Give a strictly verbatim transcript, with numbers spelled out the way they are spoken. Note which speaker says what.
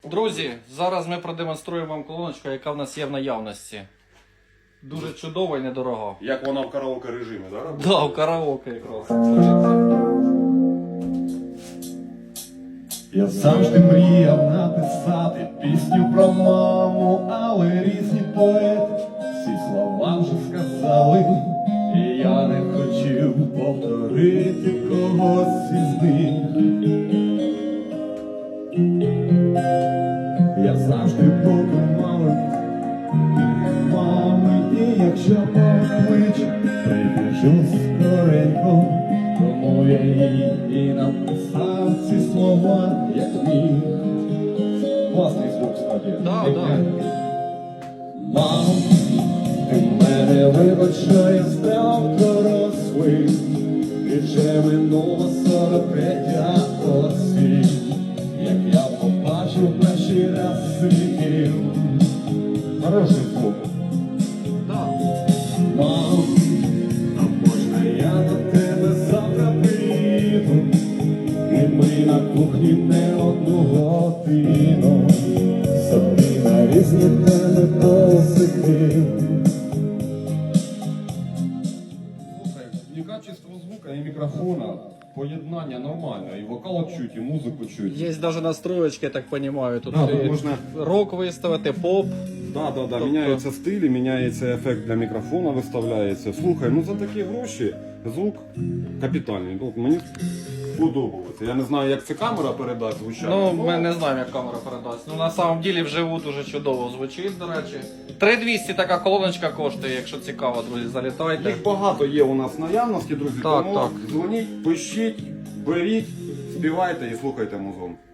Speaker 1: Друзі, зараз ми продемонструємо вам колоночку, яка в нас є в наявності. Дуже чудова і недорога.
Speaker 2: Як вона в караоке режимі, так?
Speaker 1: Так, да, в караоке якраз.
Speaker 3: Я завжди мріяв написати пісню про маму, але різні поети всі слова вже сказали, і я не хотів повторити когось із них. Я завжди буду мами, мами, і якщо покличе, прибіжу скоренько. Тому я їй і написав ці слова, як міг. Класний звук, справді.
Speaker 1: Да, да.
Speaker 3: Мам, ти мене вибач, що я став дорослим, і вже минуло сорок третя осінь, як я побачив перший раз світів. Хороший звук.
Speaker 1: Да.
Speaker 3: Мам, а можна я до тебе завтра приїду, і ми на кухні не одну годину собі на різні теми посидим.
Speaker 2: Слухай, і качество звука, і мікрофона, поєднання нормальне, і вокал чуть, і музику чуть.
Speaker 1: Є навіть настроєчки, я так розумію. Тут
Speaker 2: Да,
Speaker 1: і
Speaker 2: тут можна-
Speaker 1: рок виставити, поп.
Speaker 2: Да, да, да,
Speaker 1: Тобто-
Speaker 2: міняються стилі, міняється ефект для мікрофона, виставляється. Слухай, ну за такі гроші звук капітальний. Ну, мені подобається. Я не знаю, як це камера передасть звучання.
Speaker 1: Ну, ми не знаємо, як камера передасть. Ну, на самом деле, вживу дуже чудово звучить, до речі. три двісті така колоночка коштує, якщо цікаво, друзі, залітайте.
Speaker 2: Їх багато є у нас в наявності, друзі.
Speaker 1: Так,
Speaker 2: тому
Speaker 1: так.
Speaker 2: дзвоніть, пишіть, беріть, співайте і слухайте музон.